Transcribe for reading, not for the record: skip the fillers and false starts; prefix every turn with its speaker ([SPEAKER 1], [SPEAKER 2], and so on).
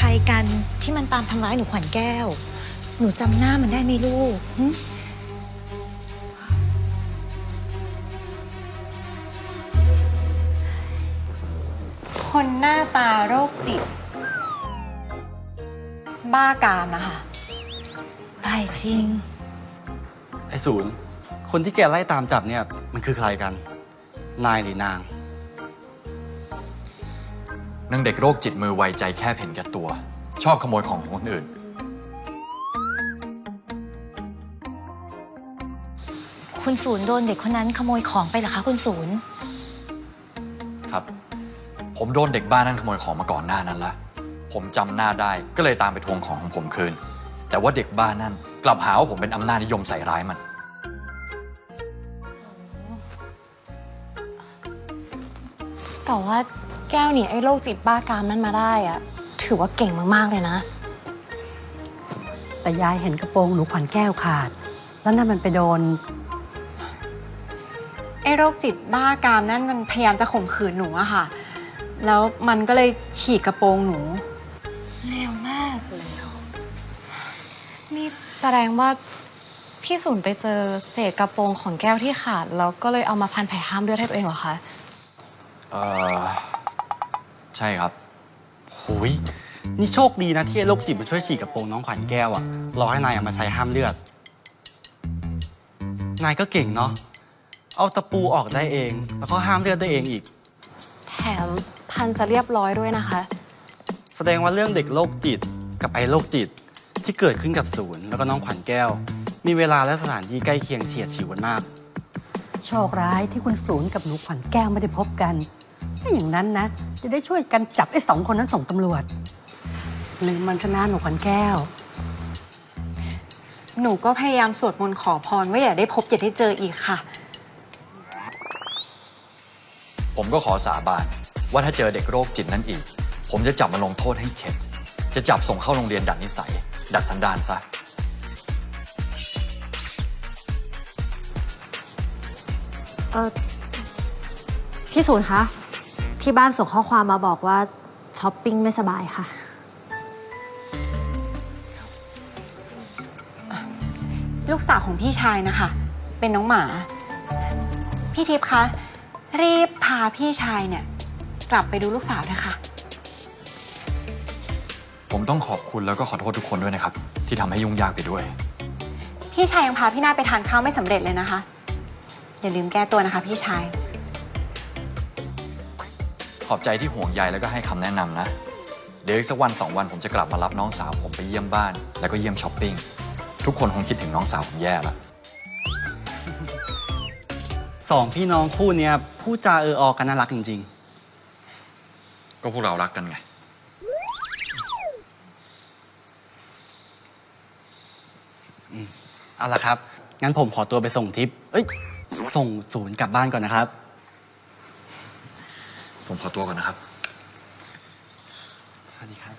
[SPEAKER 1] รกันที่มันตามทำร้ายหนูขวัญแก้วหนูจำหน้ามันได้ไหมลูก
[SPEAKER 2] คนหน้าตาโรคจิต บ้ากามนะคะ
[SPEAKER 1] ตายจริง
[SPEAKER 3] ไอ้ศูนย์คนที่แกไล่ตามจับเนี่ยมันคือใครกันนายหรือนาง
[SPEAKER 4] นางเด็กโรคจิตมือไวใจแคบเห็นแก่ตัวชอบขโมยของคนอื่น
[SPEAKER 1] คุณศูนย์โดนเด็กคนนั้นขโมยของไปเหรอคะคุณศูนย์
[SPEAKER 4] ครับผมโดนเด็กบ้านนั้นขโมยของมาก่อนหน้านั้นละผมจำหน้าได้ก็เลยตามไปทวงของผมคืนแต่ว่าเด็กบ้านนั้นกลับหาว่าผมเป็นอำนาจนิยมใส่ร้ายมัน
[SPEAKER 2] แต่ว่าแก้วหนีไอ้โรคจิตบ้ากามนั้นมาได้อะถือว่าเก่งมากๆเลยนะ
[SPEAKER 5] แต่ยายเห็นกระโปรงหนูขวัญแก้วขาดแล้วนั่นมันไปโดน
[SPEAKER 2] ไอ้โรคจิตบ้ากามนั่นมันพยายามจะข่มขืนหนูอะค่ะแล้วมันก็เลยฉีกกระโปรงหนู
[SPEAKER 1] เร็วมาก
[SPEAKER 2] นี่แสดงว่าพี่ศูนย์ไปเจอเศษกระโปรงของแก้วที่ขาดแล้วก็เลยเอามาพันแผลห้ามเลือดให้ตัวเองเหรอคะ
[SPEAKER 4] ใช่ครับ
[SPEAKER 3] โหยนี่โชคดีนะที่โรคจิตมันช่วยฉีกกระโปรงน้องขวัญแก้วอะรอให้นายเอามาใช้ห้ามเลือดนายก็เก่งเนาะเอาตะปูออกได้เองแล้วก็ห้ามเลือดได้เองอีก
[SPEAKER 2] แถมพันจะเรียบร้อยด้วยนะคะ
[SPEAKER 3] แสดงว่าเรื่องเด็กโรคจิตกับไอ้โรคจิตที่เกิดขึ้นกับศูนย์แล้วก็น้องขวัญแก้วมีเวลาและสถานที่ใกล้เคียงเฉียดฉิวกันมาก
[SPEAKER 5] โชคร้ายที่คุณศูนย์กับหนูขวัญแก้วไม่ได้พบกันถ้าอย่างนั้นนะจะได้ช่วยกันจับไอ้2 คนนั้นส่งตำรวจลืมมันชนะหนูขวัญแก้ว
[SPEAKER 2] หนูก็พยายามสวดมนต์ขอพรว่าอย่าได้พบอย่าได้เจออีกค่ะ
[SPEAKER 4] ผมก็ขอสาบานว่าถ้าเจอเด็กโรคจิตนั้นอีกผมจะจับมาลงโทษให้เข็ดจะจับส่งเข้าโรงเรียนดัดนิสัยดัดสันดานซะ
[SPEAKER 6] พี่ศูนย์คะที่บ้านส่งข้อความมาบอกว่าช้อปปิ้งไม่สบายค่ะ
[SPEAKER 2] ลูกสาวของพี่ชายนะคะเป็นน้องหมาพี่ทิพย์คะรีบพาพี่ชายเนี่ยกลับไปดูลูกสาวนะคะ
[SPEAKER 4] ผมต้องขอบคุณแล้วก็ขอโทษทุกคนด้วยนะครับที่ทำให้ยุ่งยากไปด้วย
[SPEAKER 2] พี่ชายยังพาพี่นาฏไปทานข้าวไม่สำเร็จเลยนะคะอย่าลืมแก้ตัวนะคะพี่ชาย
[SPEAKER 4] ขอบใจที่ห่วงใยแล้วก็ให้คำแนะนำนะเดี๋ยวอีกสักวัน2 วันผมจะกลับมารับน้องสาวผมไปเยี่ยมบ้านแล้วก็เยี่ยมช้อปปิ้งทุกคนคงคิดถึงน้องสาวผมแย่แล้ว
[SPEAKER 3] 2 พี่น้องคู่เนี้ยพูดจาออกันน่ารักจริง
[SPEAKER 4] ๆก็พวกเรารักกันไง
[SPEAKER 3] เอาล่ะครับงั้นผมขอตัวไปส่งทิปส่งศูนย์กลับบ้านก่อนนะครับ
[SPEAKER 4] ผมขอตัวก่อนนะครับ
[SPEAKER 3] สวัสดีครับ